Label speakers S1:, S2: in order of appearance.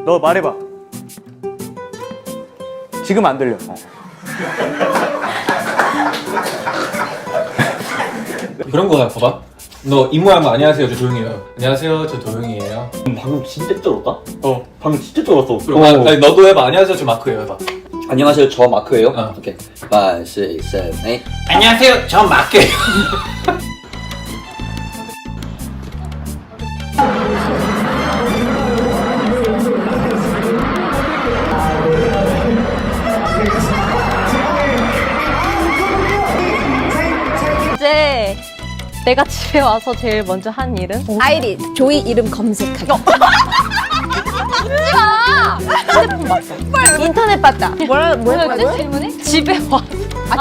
S1: 너 말해봐. 지금 안 들려.
S2: 그런 거야 봐봐. 너 입모양만 안녕하세요 저 조용해요. 안녕하세요 저 도영이에요.
S3: 방금 진짜 쩔었다?
S2: 어.
S3: 방금 진짜 쩔었어.
S2: 그럼 아니, 너도 해봐. 안녕하세요 저 마크예요 해봐.
S3: 안녕하세요, 저 마크예요.
S2: 어.
S3: 오케이. 5, 6, 7, 8.
S2: 안녕하세요 저 마크예요.
S4: 이제 내가 집에 와서 제일 먼저 한 일은?
S5: 아이리 조이 이름 검색하기.
S4: 휴대폰 봤어.
S5: 인터넷 봤다.
S4: 뭐였지 질문이? 집에 와서